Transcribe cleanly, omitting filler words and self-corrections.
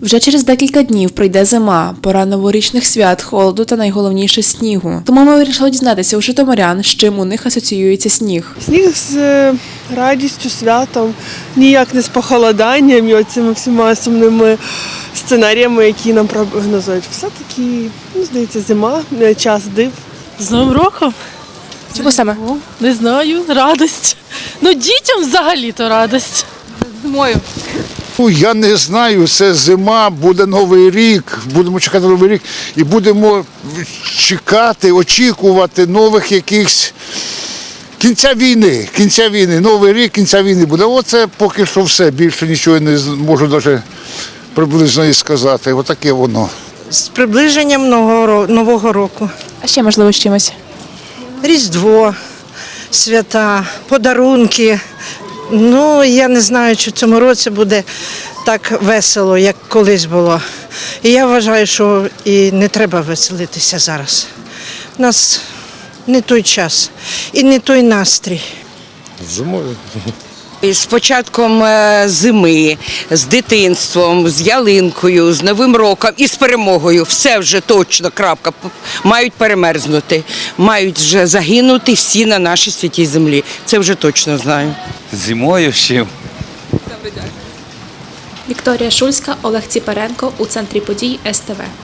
Вже через декілька днів прийде зима, пора новорічних свят, холоду та найголовніше снігу. Тому ми вирішили дізнатися у житомирян, з чим у них асоціюється сніг. Сніг з радістю, святом, ніяк не з похолоданням і оцими всіма сумними сценаріями, які нам прогнозують. Все-таки, здається, зима, час див. З Новим роком? Чому саме? Не знаю, радість. Ну, дітям взагалі-то радість. Зимою. Я не знаю, це зима, буде Новий рік, будемо чекати Новий рік і будемо чекати, очікувати нових якихось кінця війни, Новий рік, кінця війни буде. Оце поки що все, більше нічого не можу навіть приблизно і сказати. Отаке воно. З приближенням Нового року. А ще, можливо, з чимось? Різдво, свята, подарунки. Ну, я не знаю, чи в цьому році буде так весело, як колись було. І я вважаю, що і не треба веселитися зараз. У нас не той час і не той настрій. Зимою. З початком зими, з дитинством, з ялинкою, з Новим роком і з перемогою. Все вже точно, крапка. Мають перемерзнути, мають вже загинути всі на нашій святій землі. Це вже точно знаю. Зимою ще. Вікторія Шульська, Олег Ціпаренко у центрі подій СТВ.